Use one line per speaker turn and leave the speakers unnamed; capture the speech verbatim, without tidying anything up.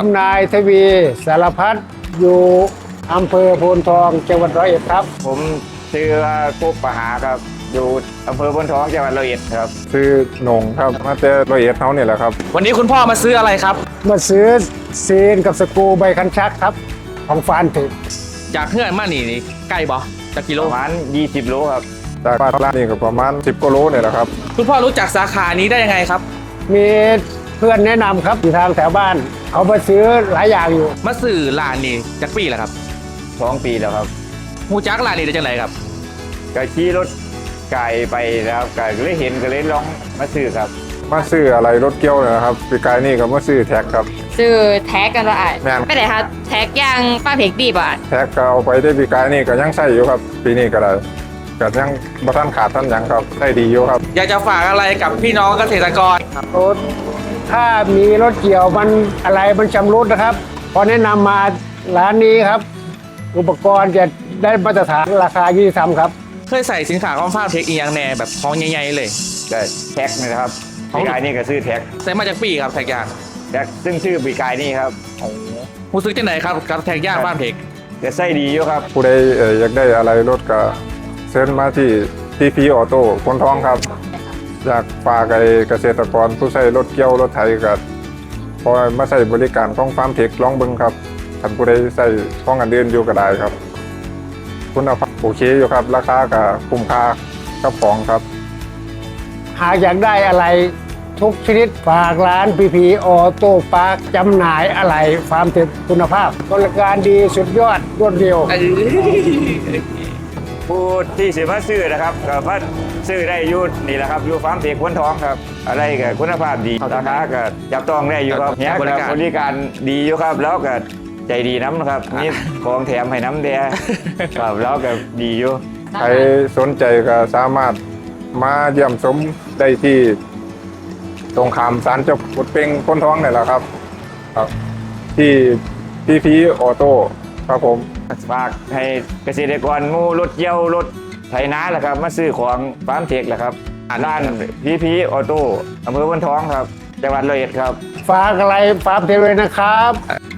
ผมนายทวีสารพัดอยู่อำเภอโพนทองจังหวัดร้อยเอ็ดครับ
ผมชื่อว่ากุ๊กปหาครับอยู่อำเภอพนทองจังหวัดร้อยเอ็ดครับ
ชื่อหนงครับมาแต่ร้อยเอ็ดเท่านี่แหละครับ
วันนี้คุณพ่อมาซื้ออะไรครับ
มาซื้อซีนกับสกรูใบคันชักครับของฟานถึก
จากเพื่อนมานี่นี่ใกล้บ่จากกิโล
ประมาณยี่สิบโลครับ
จากบ้านร้านนี่ก็ประมาณสิบกิโลเนี่ยแหละครับ
คุณพ่อรู้จักสาขานี้ได้ยังไงครับ
มีเพื่อนแนะนำครับอยู่ทางแถวบ้านเขามาซื้อหลายอย่างอยู่
มาซื้อร้านนี่จากปีแล้วครับ
สองปีแล้วครับ
หูจักร้านนี้ได้จังไหนครับ
ก็ขี่รถไก่ไปนะครับไก่ก็เลยเห็นก็เลยลองมาซื้อครับ
มาซื้ออะไรรถเกี่ยวเนี่ยนะครับปีกายนี่ก็มาซื้อแท็กครับ
ซื้อแท็กกันว่าอ่ะ
แม่น
ไปไหนคะแท็กย่างป้าเพกดีบ่ะ
แท็กก็เอาไปได้ปีกายนี่ก็ยังใช้อยู่ครับ ปีนี้ก็ได้ก็ยังบ่ทันขาดท่านหยังครับได้ดีอยู่ครับ
อยากจะฝากอะไรกับพี่น้องเกษตรกรครับ
รถถ้ามีรถเกี่ยวมันอะไรมันชำรุดนะครับ พอแนะนำมาร้านนี้ครับ อุปกรณ์จะได้มาตรฐานราคายุติธรรมครับ
เคยใส่สินค้าของฟาร์มเทคอีกอย่างแน่แบบของใหญ่ๆเลย
ก็แท็กนี่นะครับปีกายนี่ก็ซื้อแท็ก
ใส่มาจากปีครับแท็กย่าง
แท็กซึ่งชื่อปีกายนี่ครับ
หูซื้อจังไหนครับกับแท็กย่างฟาร์มเทค
จะใส่ดีอยู่ครับ
ผู้ใดเอ่ออยากได้อะไรรถก็เชิญมาที่ทีพีออโต้พนทองครับ อยากฝากไอ้เกษตรกรผู้ใช้รถเกี่ยวรถไถก็พอมาใช้บริการของฟาร์มเทคลองเบิ่งครับท่านผู้ใดใช้ของอันเดินอยู่ก็ได้ครับ คุณภาพโอเคอยู่ครับ ราคาก็คุ้มค่ากับของครับ
หากอยากได้อะไรทุกชนิดฝากร้านพีพีออโต้ปาร์คจำหน่ายอะไรฟาร์มถึกคุณภาพบริการดีสุดยอดรวดเร็ว
ผู้ที่สิมาซื้อนะครับก็มาซื้อได้อยูนี่แหละครับอยู่ฟาร์มเทคพนทองครับ อะไรก็คุณภาพดีราคาก็จับต้องได้อยู่ครับเนี้ยก็บริการดีอยู่ครับ แล้วก็ใจดีน้ำนะครับนี่ของแถมให้น้ำแดงครับแล้วก็ดีอยู่
ใครสนใจก็สามารถมาเยี่ยมชมได้ที่ตรงขามศาลเจ้าปุดเป่งพ้นท้องนี่แหละครับครับ ที่พีพีออโต้ครับผม
ฝากให้เกษตรกรหมู่รถเกี่ยวรถไถนาแหละครับมาซื้อของฟาร์มเทคแหละครับร้านพีพีออโต้อำเภอพนทองครับจังหวัดร้อยเอ็ดครับ
ฝากอะไรฟาร์มเทคเลยนะครับ